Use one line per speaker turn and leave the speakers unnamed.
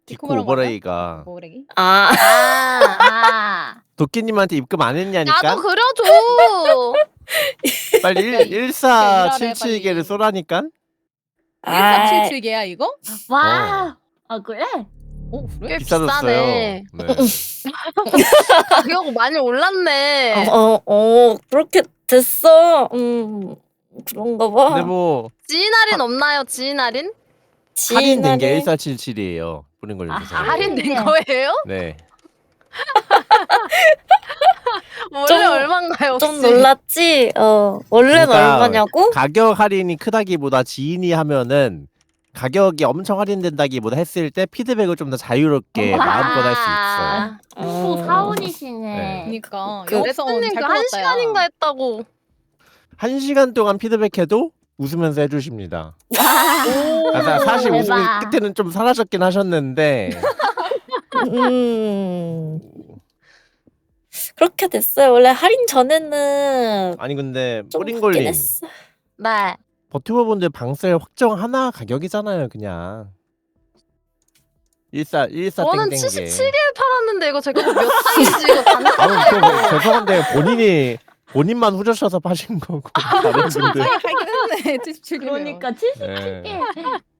디코
디코모랑
오버레이가
오버레이?
아.
도끼님한테 입금 안 했냐니까?
나도 그려줘.
빨리
야,
1477개를
빨리.
쏘라니까?
1477개야 이거?
와. 아 그래?
그래?
꽤
비싸졌어요.
비싸네.
네.
가격 많이 올랐네.
그렇게 됐어. 그런가 봐.
근데 뭐
지인 할인 없나요? 지인 할인?
할인된 게 1477이에요. 보낸 걸 주세요.
할인된 거예요?
네.
원래
좀-
얼마인가요?
좀
혹시?
놀랐지? 원래는
그러니까
얼마냐고?
가격 할인이 크다기보다 지인이 하면은 가격이 엄청 할인된다기보다 했을 때 피드백을 좀 더 자유롭게 마음껏 할 수 있어요.
또 사원이시네.
네.
그니까
그-
영성
님
잘
그한
끊었다, 야.
시간인가 했다고.
1시간 동안 피드백해도 웃으면서 해주십니다.
오,
사실 웃음이
대박.
끝에는 좀 사라졌긴 하셨는데
그렇게 됐어요. 원래 할인 전에는
아니 근데
좀
뿌링걸님
웃긴 했어.
네.
버튜버분들 방셀 확정 하나 가격이잖아요 그냥 14
저는
땡땡게
77개 팔았는데 이거 제가 몇 장인지 이거 다
죄송한데 본인만 후려쳐서 파신 거고 다른 분들
하긴 했네 77개면.
그러니까 77개.